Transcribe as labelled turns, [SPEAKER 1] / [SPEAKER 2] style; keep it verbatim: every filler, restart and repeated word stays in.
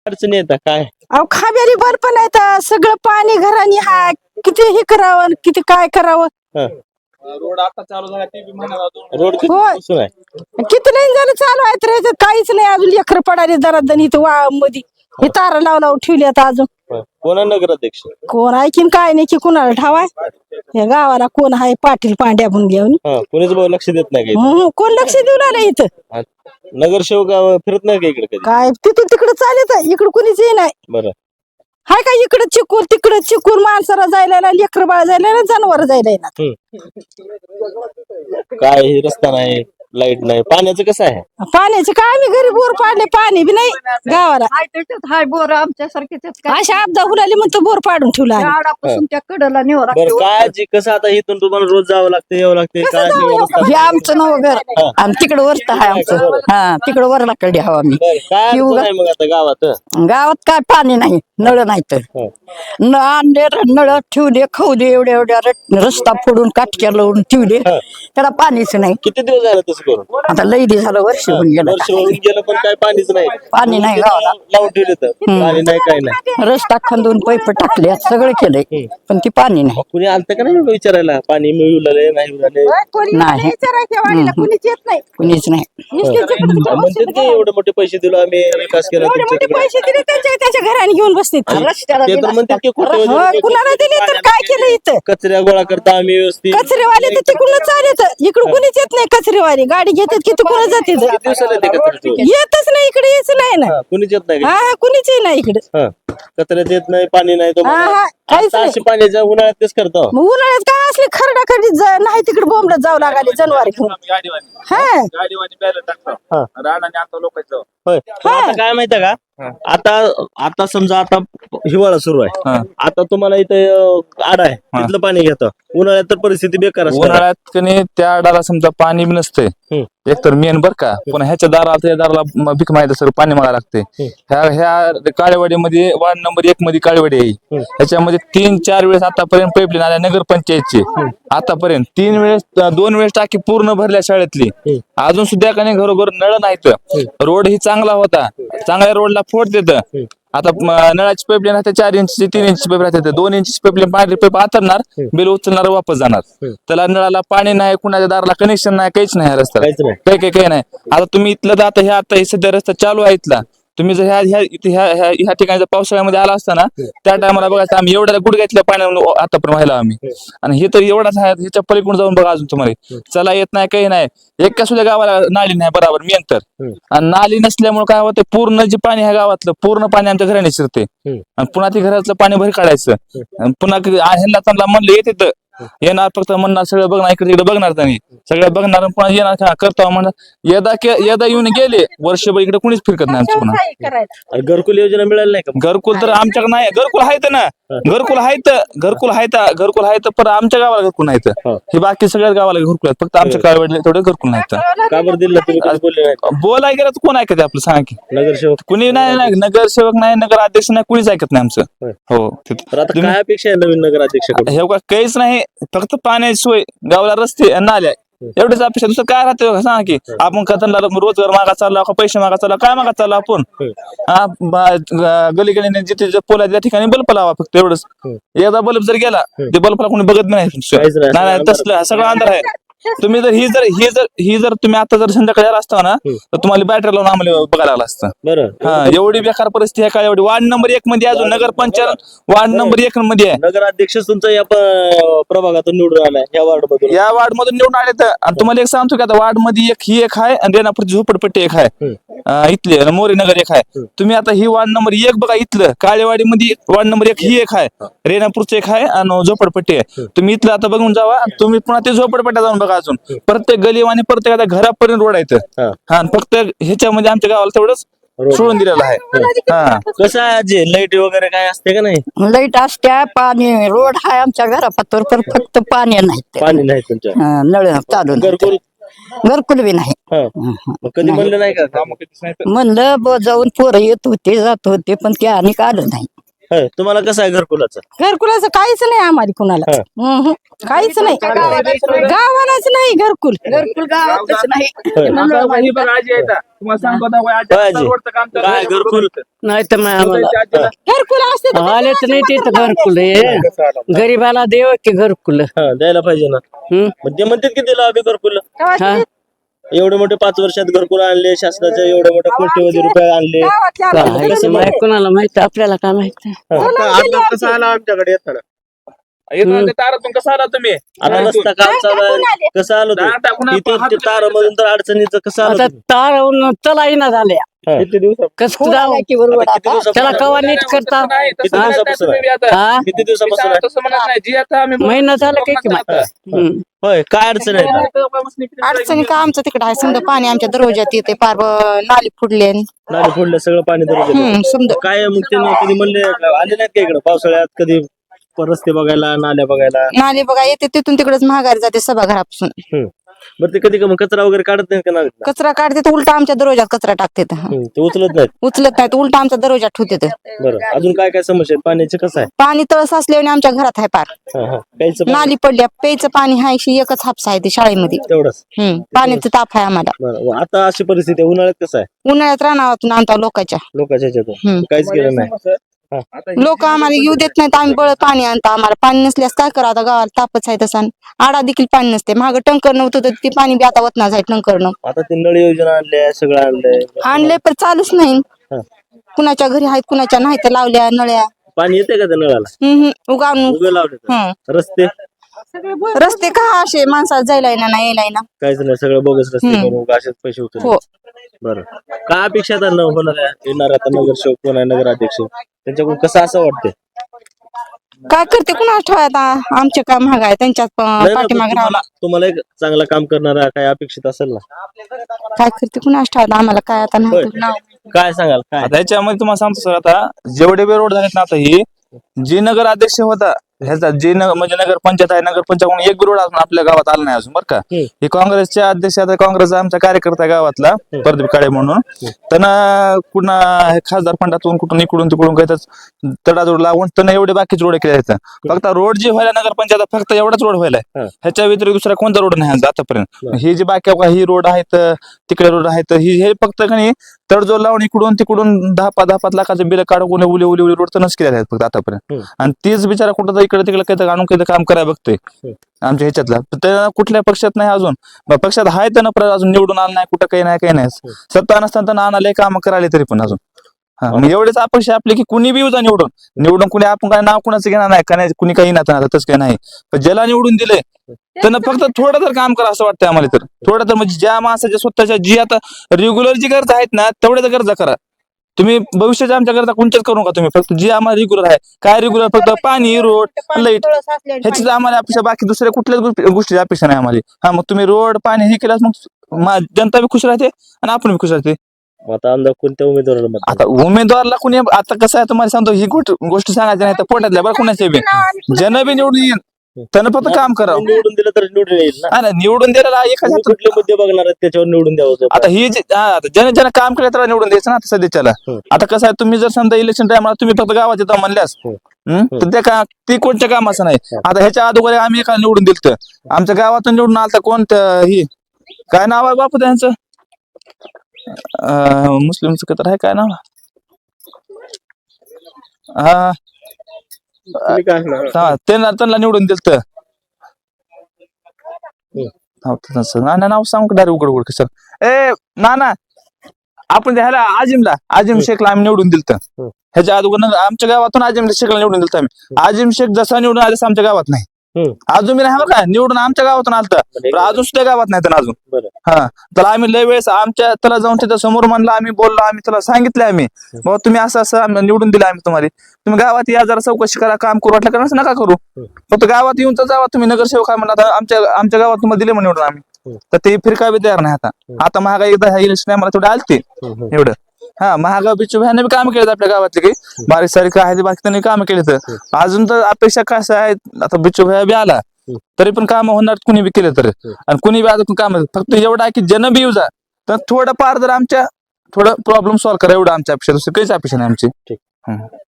[SPEAKER 1] अडचणी येतात काय?
[SPEAKER 2] अहो खाब्यारी बर पण आहे तर सगळं पाणी घरानी हाय किती हे करावं आणि किती काय करावं.
[SPEAKER 1] हं.
[SPEAKER 3] रोड आता चालू झाला ते बी म्हणाला दोन
[SPEAKER 1] रोड किती
[SPEAKER 2] होय.
[SPEAKER 1] पासून आहे?
[SPEAKER 2] किती नाही झालं चालू आहे तर ह्याच्यात काहीच नाही अजून लेकर पडाले जरा दण इथं वा मध्ये हे तारा लाव लावून ठेवली आता अजून
[SPEAKER 1] हं. कोणा नगराध्यक्ष?
[SPEAKER 2] कोण ऐकीन काय नाही की कुणाला ठावाय या गावाला कोण आहे पाटील पांड्या म्हणून घेऊन
[SPEAKER 1] हा कोणीच भाऊ लक्ष देत नाही काही.
[SPEAKER 2] हम्म, कोण लक्ष देऊन आलं इथं
[SPEAKER 1] नगरसेवक अं, फिरत नाही का इकडे कधी?
[SPEAKER 2] काय तिथून तिकडे चालत इकडं कुणीच ये नाही
[SPEAKER 1] बरं.
[SPEAKER 2] हाय काय इकडं चिकूर तिकडं चिकूर माणसाला जायला ना लेकर बाळ जायला ना जनावर जायला ना
[SPEAKER 1] हं. काय हे रस्ता नाही, लाईट नाही, पाण्याचं कसं आहे?
[SPEAKER 2] पाण्याचे काय आम्ही घरी बोर पाडले पाणी बी नाही गावाला
[SPEAKER 4] हाय त्याच्यात हाय बोर आमच्या सारखे
[SPEAKER 2] अशा आपदा हुलाली म्हणतो बोर पाडून ठेवला आम्ही.
[SPEAKER 4] झाडापासून त्या कडला नेऊ
[SPEAKER 1] बरं काय जी कसं आता इथून तुम्हाला रोज जावं लागतं यावं लागते काय
[SPEAKER 2] जावं
[SPEAKER 1] ते व्यवस्था?
[SPEAKER 4] हे आमचं नाव घर आणि तिकडं वरत आहे आमचं हा तिकडं वरला कडे हवा आम्ही
[SPEAKER 1] बरं, काय
[SPEAKER 4] येऊ
[SPEAKER 1] अडचण
[SPEAKER 4] का?
[SPEAKER 1] आहे मग आता गावात?
[SPEAKER 4] गावात काय पाणी नाही नळ नाही तर
[SPEAKER 1] हं.
[SPEAKER 4] न आणले र- नळ ठेवले खाऊ दे एवढ्या एवढ्या र- रस्ता फोडून काटक्या लावून ठेवले
[SPEAKER 1] हं.
[SPEAKER 4] त्याला पाणीच नाही
[SPEAKER 1] किती दिवस झाले तसं करून?
[SPEAKER 4] आता लई दिवस झालं वर्ष होऊन गेलं
[SPEAKER 1] वर्ष होऊन गेलं पण काय पाणीच नाही.
[SPEAKER 4] पाणी नाही गावाला.
[SPEAKER 1] लावून ठेवले तर पाणी नाही काय नाही.
[SPEAKER 4] रस्ता खंदून पैप टाकले सगळं केलंय पण ती पाणी नाही
[SPEAKER 1] मग कुणी आलतं का नाही एवढं विचारायला पाणी मिळवले नाही मिळाले?
[SPEAKER 2] कोणी
[SPEAKER 4] नाही.
[SPEAKER 2] विचारायच्या वाडीला कुणीच येत नाही
[SPEAKER 4] कुणीच नाही
[SPEAKER 2] नुसते तिकडं तिकडं
[SPEAKER 1] म्हणते ते एवढे मोठे पैसे दिलो आम्ही विकास केला
[SPEAKER 2] एवढे मोठे
[SPEAKER 1] तुमच्याकडे.
[SPEAKER 2] पैसे दिले त्यांच्या त्याच्या घराने घेऊन बसते
[SPEAKER 4] रस्त्याला
[SPEAKER 1] ते तर म्हणते की कुठे
[SPEAKER 2] हो, कुणाला दिले तर काय केलं इथं
[SPEAKER 1] कचऱ्या गोळा करता आम्ही व्यवस्थित.
[SPEAKER 2] कचरेवाले तर तिकडून चालत इकडं कुणीच येत नाही कचरेवाले गाडी घेतात की तिकडून जाते
[SPEAKER 1] किती दिवसाला येते कचऱ्याचं?
[SPEAKER 2] येतच नाही इकडे यायचं नाही ना
[SPEAKER 1] हा, कुणीच येत नाही
[SPEAKER 2] हा
[SPEAKER 1] का?
[SPEAKER 2] हा कुणीच येत नाही इकडे
[SPEAKER 1] हा. कचऱ्यात येत नाही पाणी नाही तो
[SPEAKER 2] हा हा काहीच नाही
[SPEAKER 1] अशी पाण्याच्या उन्हाळ्यात तेच करतो.
[SPEAKER 2] मग उन्हाळ्यात काय असले खरडा खरडी नाही तिकडे बोंबलत जाऊ लागले जनावर घेऊन
[SPEAKER 3] गाडीवानी
[SPEAKER 2] हा
[SPEAKER 3] गाडीवानी बॅलर
[SPEAKER 1] हा.
[SPEAKER 3] टाकतो राणाने आता लोकांचं
[SPEAKER 1] होय पण आता काय माहितीये का आता आता समजा आता हिवाळा सुरू आहे आता तुम्हाला इथे अं, आड आहे तिथलं पाणी घेतं उन्हाळ्यात तर परिस्थिती बेकार असते.
[SPEAKER 5] उन्हाळ्यात कणी त्या डाला समजा पाणी बी नसते
[SPEAKER 1] हम्म.
[SPEAKER 5] एक तर मेन बर का पण ह्याच्या दाराला त्या दाराला म- भीक माहिती सर पाणी मागायला लागते ह्या ह्या काळेवाडीमध्ये वार्ड नंबर एक मध्ये काळेवाडी आहे ह्याच्यामध्ये तीन चार वेळेस आतापर्यंत पाईपलाईन आल्या नगरपंचायतची आतापर्यंत तीन वेळेस दोन वेळेस टाकी पूर्ण भरल्या शाळेतली अजून सुद्धा काही घरोघर नळ नाहीत रोड ही चांगला होता चांगल्या रोडला फोड देत आता म- नळाची पाईपलाईन राहते चार इंची तीन इंची पाईप राहते दोन इंची पाईपलाईन पाणी पाईप आतरणार बिल उचलणार वापस जाणार त्याला नळाला पाणी नाही कुणाच्या दाराला कनेक्शन नाही काहीच नाही ह्या रस्त्याला
[SPEAKER 1] काहीच नाही.
[SPEAKER 5] काही काही काही नाही आता तुम्ही इथलं तर आता ह्या आता हे सध्या रस्ता चालू आहे इथला तुम्ही जर ह्या ह्या इथे ह्या ह्या ह्या ठिकाणी जर पावसाळ्यामध्ये आला असताना त्या टायमाला बघायचं आम्ही एवढ्या गुडघ्यातल्या पाण्यावर आतापर्यंत व्हायला आम्ही आणि हे तर एवढाच आहे ह्याच्या पलीकडून जाऊन बघा अजून तुम्हाला चला येत नाही काही नाही एका सुद्धा गावाला नाली नाही बरोबर मेन तर आणि नाली नसल्यामुळे काय होतं पूर्ण जे पाणी ह्या गावातलं पूर्ण पाणी आमच्या घराने शिरते आणि पुन्हा ते घरातलं पाणी भर काढायचं आणि पुन्हा क- आ- ह्यांना चांगला म्हणलं येते तर येणार फक्त म्हणणार सगळं बघणार इकडे तिकडे बघणार त्यांनी सगळं बघणार आणि पुन्हा येणार का करतो म्हणणार यदा के- यदा येऊन गेले वर्षभर इकडे कुणीच फिरकत नाही आमचं पुन्हा
[SPEAKER 2] करायचं
[SPEAKER 1] आणि घरकुल योजना मिळाली नाही का?
[SPEAKER 5] घरकुल तर आमच्याकडे नाही घरकुल आहेत ना घरकुल आहेत घरकुल आहेत घरकुल आहेत पण आमच्या गावाला घरकुल नाहीत
[SPEAKER 1] हा.
[SPEAKER 5] हे बाकी सगळ्या गावाला घरकुल आहेत फक्त आमच्या गावाला तेवढे घरकुल नाहीत
[SPEAKER 1] का बरं दिलं तुम्ही कधी बोलले नाही का?
[SPEAKER 5] बोलाय गेलं तर कोण ऐकत आपलं सांगा की
[SPEAKER 1] नगरसेवक
[SPEAKER 5] कुणी नाही नाही नगरसेवक नाही नगर अध्यक्ष नाही कुणीच ऐकत नाही आमचं
[SPEAKER 1] होय.
[SPEAKER 5] हो
[SPEAKER 1] तर आता काय अपेक्षा आहे नवीन नगराध्यक्षाकडून?
[SPEAKER 5] हे बघा काहीच नाही फक्त पाण्याची सोय गावाला रस्ते आणि नाल्या एवढेच अपेक्षा दुसरं काय राहते बघा, सांगा की आपण कथनला रोजगार मागा चालला का पैसे मागा चालला काय मागा चालला आपण हा बा- ग- गली गलीने जिथे जे पोल आहे त्या ठिकाणी बल्ब लावा फक्त एवढंच एकदा बल्ब जर गेला ते बल्बला कोणी बघत बी नाही
[SPEAKER 1] काहीच नाही.
[SPEAKER 5] नाही नाही, तसलं सगळं अंधार आहे तुम्ही जर ही जर ही जर ही जर तुम्ही आता जर संध्याकाळी आला असता ना तर तुम्हाला बॅटरी लावून आम्हाला बघायला आलं असतं
[SPEAKER 1] बरं
[SPEAKER 5] हा एवढी बेकार परिस्थिती आहे का एवढी वार्ड नंबर एक मध्ये अजून नगर पंचायत वार्ड नंबर एक मध्ये आहे
[SPEAKER 1] नगराध्यक्ष तुमचा या प- प्रभागातून निवडून आलाय या वार्ड मधून
[SPEAKER 5] या वार्ड मधून निवडून आले तर आणि तुम्हाला एक सांगतो की आता वार्ड मध्ये एक ही एक आहे आणि रेणापूरची झोपडपट्टी एक आहे अं, इथली आणि मोरी नगर एक आहे तुम्ही आता ही वार्ड नंबर एक बघा इथलं काळेवाडी मध्ये वार्ड नंबर एक ही एक आहे रेणापूरचं एक आहे आणि झोपडपट्टी आहे तुम्ही इथलं आता बघून जावा आणि तुम्ही पुन्हा ते झोपडपट्ट्या जाऊन बघा अजून प्रत्येक गली आणि प्रत्येक आता घरापर्यंत रोड आहे
[SPEAKER 1] हा.
[SPEAKER 5] हा आणि फक्त ह्याच्यामध्ये आमच्या गावाला तेवढंच
[SPEAKER 1] रोड.
[SPEAKER 5] सोडून दिलेलं आहे हा
[SPEAKER 1] कसं आहे आजी लाईट वगैरे काय असते का नाही?
[SPEAKER 4] लाईट असत्या पाणी रोड हाय आमच्या घरापातर पण फक्त पाणी नाही
[SPEAKER 1] पाणी नाही तुमच्या
[SPEAKER 4] हा, नळ चालू नाही.
[SPEAKER 1] घरकुल
[SPEAKER 4] घरकुल बी नाही
[SPEAKER 1] हा. मग कधी म्हणलं नाही का
[SPEAKER 4] म्हणलं ब जाऊन पोरं येत होते जात होते पण ते आणि आलं नाही
[SPEAKER 1] होय. तुम्हाला कसं आहे घरकुलाचं?
[SPEAKER 2] घरकुलाचं काहीच नाही आम्हाला कुणाला
[SPEAKER 1] हा.
[SPEAKER 2] हम्म. काहीच नाही गावालाच नाही घरकुल
[SPEAKER 4] घरकुल गावातच नाही
[SPEAKER 3] आता ही बघा आजी आहे इथं. तुम्हाला सांगतो आता वय आजी
[SPEAKER 1] होय
[SPEAKER 3] आता
[SPEAKER 1] आजी.
[SPEAKER 3] रोडचं काम चालू
[SPEAKER 1] काय
[SPEAKER 3] आहे.
[SPEAKER 1] घरकुल?
[SPEAKER 6] नाही तर मग आम्हाला
[SPEAKER 3] त्या आजीला
[SPEAKER 2] घरकुल असते तर
[SPEAKER 6] आलेच नाही तिथं घरकुल हे गरीबाला देव की घरकुल
[SPEAKER 1] हा द्यायला पाहिजे ना.
[SPEAKER 6] हम्म.
[SPEAKER 1] मग ते म्हणतात की दिलं आम्ही घरकुल.
[SPEAKER 6] हा
[SPEAKER 1] एवढे मोठे पाच वर्षात घरकुल आणले शासनाचे, एवढे मोठे कोट्यवधी रुपये आणले.
[SPEAKER 2] गावातल्या
[SPEAKER 1] कसं
[SPEAKER 6] माहित कोणाला माहित आपल्याला काय माहित
[SPEAKER 1] आता कसं आला आमच्याकडे येताना?
[SPEAKER 3] इथून ते तारातून कसं आला तुम्ही
[SPEAKER 1] आता रस्ता काम चालू आहे, कसं आलो
[SPEAKER 3] दार टाकून
[SPEAKER 1] इथे
[SPEAKER 3] हात
[SPEAKER 1] ते तारामधून तर अडचणीचं कसं आलं
[SPEAKER 6] आता
[SPEAKER 1] तुम्ही?
[SPEAKER 6] तार चला येईना झाल्या
[SPEAKER 1] हा.
[SPEAKER 3] किती दिवसात
[SPEAKER 6] कस जाऊ
[SPEAKER 1] आता किती दिवसापासून
[SPEAKER 6] त्याला कवा नीट करता
[SPEAKER 3] नाही
[SPEAKER 1] किती
[SPEAKER 3] तसं म्हणत नाही
[SPEAKER 1] दिवसापासून
[SPEAKER 3] तुम्ही बी आता.
[SPEAKER 6] हा
[SPEAKER 1] किती
[SPEAKER 3] मी
[SPEAKER 1] दिवसापासून आहे?
[SPEAKER 3] सांगतो तसं म्हणत नाही जी आता आम्ही
[SPEAKER 6] महिना झाला काय की माहित हम्म.
[SPEAKER 1] होय काय अडचण आहे?
[SPEAKER 7] अडचणी का आमचं तिकडे आहे समजा पाणी आमच्या दरवाजात येते पार ब- नाली फुडले
[SPEAKER 1] नाली फोडलं सगळं पाणी धरून गेलं.
[SPEAKER 7] समजा
[SPEAKER 1] काय मग त्यांना कधी म्हणले आले नाहीत का इकडे पावसाळ्यात कधी रस्ते बघायला, नाल्या बघायला?
[SPEAKER 7] नाली बघा येते तिथून तिकडेच महागारी जाते सभागृहापासून
[SPEAKER 1] हम्म. बरं ते कधी का मग कचरा वगैरे काढत नाही का नालीतला?
[SPEAKER 7] कचरा काढते तर उलटा आमच्या दरवाजात कचरा टाकते
[SPEAKER 1] हम्म, ते उचलत नाहीत.
[SPEAKER 7] उचलत नाही तर उलटा आमच्या दरवाजात ठेवते
[SPEAKER 1] बरं अजून काय काय समस्या आहेत? पाण्याचे कसं आहे?
[SPEAKER 7] पाणी तळ साचल्याने आमच्या घरात आहे पार
[SPEAKER 1] हा हा प्यायचं पाणी
[SPEAKER 7] नाली पडल्या प्यायचं पाणी आहे अशी एकच हापसा आहे ते शाळेमध्ये
[SPEAKER 1] तेवढंच.
[SPEAKER 7] हम्म पाण्याचं ताप आहे आम्हाला
[SPEAKER 1] बरं व आता अशी परिस्थिती आहे, उन्हाळ्यात कसं आहे
[SPEAKER 7] उन्हाळ्यात रानावातून आणतो लोकांच्या
[SPEAKER 1] लोकांच्या ह्याच्यातून?
[SPEAKER 7] हम्म.
[SPEAKER 1] काहीच केलं नाही.
[SPEAKER 7] लोक आम्हाला येऊ देत नाहीत आम्ही बळ पाणी आणतो आम्हाला पाणी नसल्यास काय करा आता गावाला तापच आहे तसा आडा देखील पाणी नसते मागं टंकर नव्हतं तर ते पाणी बी आता वतनाच आहे टंकरनं
[SPEAKER 1] आता ते नळ योजना आणल्या सगळं आणलंय.
[SPEAKER 7] आणले पण चालूच नाही
[SPEAKER 1] हा.
[SPEAKER 7] कुणाच्या घरी आहेत कुणाच्या नाही तर लावल्या नळ्या
[SPEAKER 1] पाणी येते का त्या नळाला?
[SPEAKER 7] हम्म हम्म. उगावून
[SPEAKER 1] उभे लावले तर.
[SPEAKER 7] हम्म.
[SPEAKER 1] रस्ते
[SPEAKER 7] रस्ते का असे माणसाला जायला येणार नाही यायला येणार
[SPEAKER 1] काहीच नाही, सगळं बोगस रस्ते
[SPEAKER 7] हम्म.
[SPEAKER 1] करून असेच पैसे होते.
[SPEAKER 7] हो
[SPEAKER 1] बरं काय अपेक्षा आता न होणार आहे? येणार आता नगरसेवक कोण आहे, नगराध्यक्ष त्यांच्याकडून कसं असं वाटतंय?
[SPEAKER 7] काय करते कुणा ठेवा आता आमचे काय महाग आहे त्यांच्यात
[SPEAKER 1] नाही ना, पण
[SPEAKER 7] पाठीमाग
[SPEAKER 1] तुम्हाला तुम्हाला एक चांगलं काम करणारा काय अपेक्षित असेल ना?
[SPEAKER 7] काय करते कुणा ठेवा आम्हाला काय आता
[SPEAKER 1] होय.
[SPEAKER 7] नाही नाव.
[SPEAKER 1] काय सांगाल काय?
[SPEAKER 5] आता याच्यामध्ये तुम्हाला सांगतो सर आता जेवढे बी रोड झालेत ना आता ही जे नगर अध्यक्ष होता ह्याचा जे नगर म्हणजे नगर पंचायत आहे नगर पंचायत एक बी रोड अजून आपल्या गावात आला नाही अजून बरं का.
[SPEAKER 1] हम्म.
[SPEAKER 5] हे काँग्रेसचे अध्यक्ष आता काँग्रेसचा आमचा कार्यकर्ता आहे गावातला प्रदीप काळे म्हणून त्यांना कुणा हे खासदार फंडातून कुठून इकडून तिकडून काही तर तडाजोड लावून त्यांना एवढे बाकीचे रोड केले आहेत. फक्त रोड जे व्हायला नगर पंचायत फक्त एवढाच रोड व्हायलाय
[SPEAKER 1] हा.
[SPEAKER 5] ह्याच्या व्यतिरिक्त दुसरा कोणता रोड नाही आज आतापर्यंत.
[SPEAKER 1] बरं.
[SPEAKER 5] हे जे बाकी ही रोड आहेत तिकडे रोड आहेत ही हे फक्त काही तडजोड लावून इकडून तिकडून दहा पाच दहा पाच लाखाचे बिल काढून उले उले उले रोड तर नस केले आहेत फक्त आतापर्यंत.
[SPEAKER 1] हम्म.
[SPEAKER 5] आणि तीच बिचारा कुठं तर इकडे तिकडे काही आणून काही काम करायला बघतोय आमच्या ह्याच्यातला तर त्या कुठल्या पक्षात नाही अजून मग पक्षात आहे तर ना अजून निवडून आलं नाही कुठं काही नाही काही नाही सत्ता नसताना आणाले काम करायला तरी पण अजून हा मग एवढेच अपेक्षा आपली की कुणी बी येऊ जा निवडून निवडून कुणी आपण काय नाव कुणाचं घेणार नाही का नाही कुणी काही नाही तसं काही नाही पण ज्याला निवडून दिले त्यांना फक्त थोडं तर काम करा असं वाटतंय आम्हाला तर थोडं तर म्हणजे ज्या माणसाच्या स्वतःच्या जी आता रेग्युलर जी गरज आहेत ना तेवढ्या तर गरजा करा तुम्ही भविष्याच्या आमच्या गरजा कोणत्याच करू नका तुम्ही फक्त जी आम्हाला रेग्युलर आहे काय रेग्युलर फक्त पाणी रोड लाईट ह्याचीच आम्हाला अपेक्षा बाकी दुसऱ्या कुठल्याच गोष्टी- गोष्टीची अपेक्षा नाही आम्हाला. हा मग तुम्ही रोड पाणी हे केल्यास मग मा- जनता बी खुश राहते आणि आपण बी खुश राहते.
[SPEAKER 1] मग आता आमदार कोणत्या उमेदवाराला मत
[SPEAKER 5] आता उमेदवारला कुणी आता कसं आहे तुम्हाला सांगतो ही गोष्ट गोष्ट सांगायची नाही तर पोटातल्या बरं कुणाच्या बी जन बी निवडून येईन त्यानं फक्त काम करावं
[SPEAKER 1] निवडून दिलं तर निवडून येईल ना?
[SPEAKER 5] हा ना निवडून दिलेला एका
[SPEAKER 1] तुम्ही कुठले मुद्दे बघणार आहेत त्याच्यावर निवडून द्यावं होतं.
[SPEAKER 5] आता ही जी हा, आता ज्याने ज्याने काम केलं त्याला निवडून द्यायचं ना आता सध्याच्याला.
[SPEAKER 1] हम्म.
[SPEAKER 5] आता कसं आहे तुम्ही जर समजा इलेक्शन टाइमला तुम्ही फक्त गावात येता म्हणल्यास
[SPEAKER 1] हम्म.
[SPEAKER 5] हम्म, तर त्या का ती कोणत्या कामाचं नाही. आता ह्याच्या अगोदर आम्ही एका निवडून दिलं आमच्या गावातून निवडून आलता कोणतं ही काय नाव आहे बापू त्यांचं अं, मुस्लिमचं तर आहे काय नाव हा
[SPEAKER 1] तुम्ही काय असणार?
[SPEAKER 5] हा, त्यांना त्यांना निवडून दिलं ना नाव सांगू डायरेक्ट उघड उघड कसं ए ना ना आपण ह्याला आजिमला आजिम शेखला आम्ही निवडून दिलं
[SPEAKER 1] हम्म.
[SPEAKER 5] ह्याच्या अगोदर आमच्या गावातून आजिम शेखला निवडून दिलं आम्ही. आजिम शेख जसा निवडून आला तसं आमच्या गावात नाही
[SPEAKER 1] हम्म.
[SPEAKER 5] अजून मी नाही बरं का निवडून आमच्या गावातून आलता पण अजून सुद्धा गावात नाही त्यांना अजून.
[SPEAKER 1] बरं.
[SPEAKER 5] हा त्याला आम्ही लय वेळेस आमच्या त्याला जाऊन तिथं समोर म्हणलं आम्ही बोललो आम्ही त्याला सांगितलं आम्ही बाबा तुम्ही असं असं आम्ही निवडून दिलं आम्ही तुम्हाला तुम्ही गावात या जरा चौकशी करा काम करू वाटलं करा असं नका करू फक्त गावात येऊन तर जावा तुम्ही नगरसेवक आहे म्हणलं आता आमच्या आमच्या गावात तुम्हाला दिले म्हणून निवडून आम्ही तर ते फिरका बी तयार नाही आता आता महागाई एकदा इलेक्शन मला थोडे आलते एवढं हा महागाई बिच्चू ह्याने बी काम केलेत आपल्या गावातले काही बारीक सारीक आहे ते बाकी त्यांनी काम केले तर अजून तर अपेक्षा कसं आहे आता बिच्चू भैया बी आला तरी पण काम होणार कुणी बी केलं तर आणि कुणी बी आता काम फक्त एवढं आहे की जन बी येऊ जा तर थोडं पार जर आमच्या थोडं प्रॉब्लेम सॉल्व्ह करा एवढं आमच्या अपेक्षा दुसरी काहीच अपेक्षा नाही आमची.